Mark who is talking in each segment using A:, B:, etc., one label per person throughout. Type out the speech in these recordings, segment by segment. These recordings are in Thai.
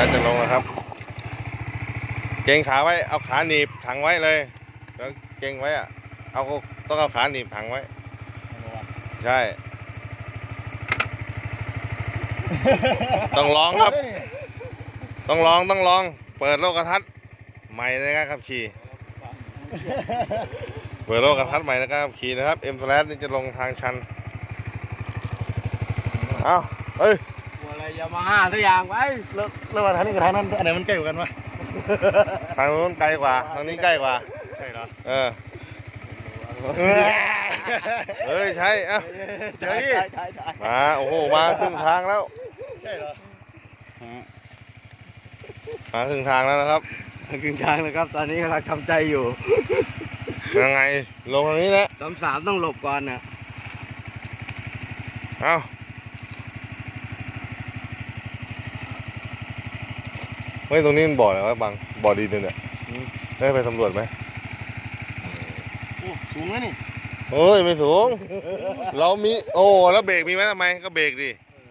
A: แล้วจะลงแล้วครับเกรงขาไว้เอาขาหนีบถังไว้เลยแล้วเกรงไว้อะต้องเอาขาหนีบถังไว้ใช่ต้องลองครับต้องลองเปิดโลกทัศน์ใหม่ในการขับขี่เปิดโลกทัศน์ใหม่ในการขับขี่นะครับ M Slash นี่จะลงทางชันเอาเฮ้ย
B: อะไรยามาฮ่าทุกอย่างไป
C: แล้วว่าทางนี้กับทางนั้นอันไหนมันใกล้กว่ากันวะ
A: ทางนู้นไกลกว่าทางนี้ใกล้กว่า
C: ใช่เหรอ
A: เฮ้ยใช่อ่ะ
C: เดี๋ยวนี้
A: มาโอ้โหมาครึ่งทางแล้ว
C: ใช่เหรอ
A: มาครึ่งทางแล้วนะครับ
B: ครึ่งทางแล้วครับตอนนี้กำลังทำใจอยู่
A: ยังไงลงทางนี้แหละ
B: สามต้องหลบก่อนนะ
A: เอาเฮ้ยตรงนี้มันบ่ออะไรวะบางบ่อดินเนี่ยได้ไปสำรวจไหม
C: โอ้สูงนะนี่
A: เฮ้ยไม่สูงเรามีโอ้แล้วเบรกมีไหมทำไมก็เบรกดิ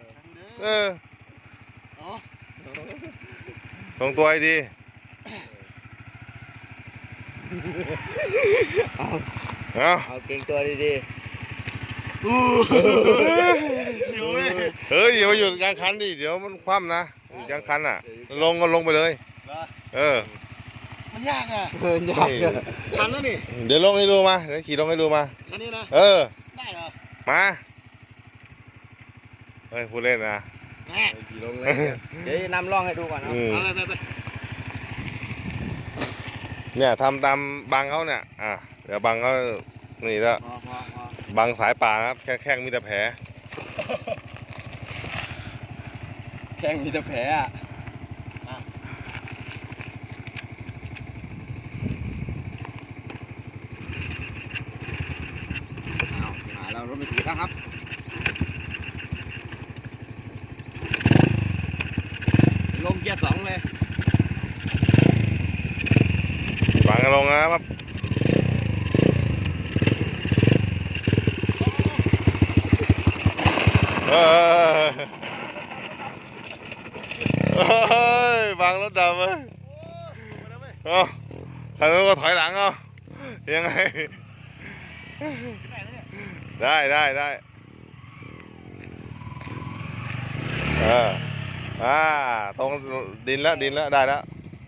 A: ตรงตัวไอ้ดี
B: เอาเก่งตัวดี
C: ๆสิวเลย
A: เฮ้ยอย่ามาหยุดกลางคันดิเดี๋ยวมันคว่ำนะกลางคันอ่ะลงก็ลงไปเลย
C: มันยากอ่ะ
B: ยาก
C: ชันแล้วนี่
A: เดี๋ยวลงให้ดูมาเดี๋ยวขี่ลงให้ดูมา
C: คันนี้นะได้เหรอ
A: มาเฮ้ยพูดเล่นนะ
B: ขี่ลงเลยเดี๋ยวนำล่องให้ดูก่อนนะ
C: ไป
A: เนี่ยทำตามบังเขาเนี่ยเดี๋ยวบังเขานี่แล้วบังสายป่านะครับแข้งมีแต่แผล
B: แข้งมีแต่แผลเรารถไม่ติดแล้วครับลงเกียร์2เลย
A: บังลงนะครับบังรถดำเลยทางนู้นก็ถอยหลังยังไงได้ตรงดินแล้วได้แล้ว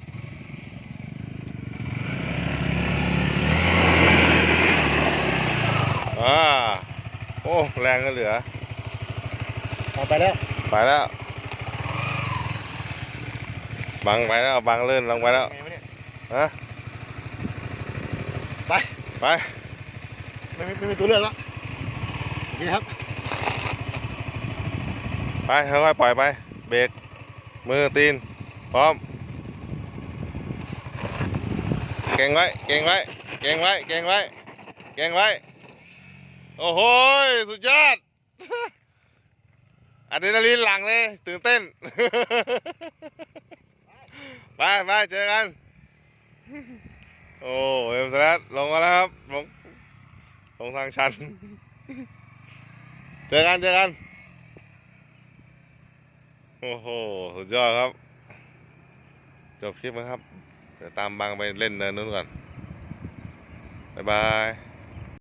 A: โอ้แรงก็เหลือ
C: ไปแล้ว
A: บังไปแล้วบังเลื่อนลงไปแล้วไป
C: ไม่มีตัวเลือกแล้วนี่ครับ
A: ไปค่อยๆปล่อยไปเบรกมือตีนพร้อมเก่งไว้โอ้โหสุดยอดอะดรีนาลีนหลั่งเลยตื่นเต้นไปเจอกันโอ้เอ็มสแลชลงมาแล้วครับลงทางชันเจอกันโอ้โหสุดยอดครับจบคลิปนะครับเดี๋ยวตามบังไปเล่นเนินนู้นก่อนบ๊ายบาย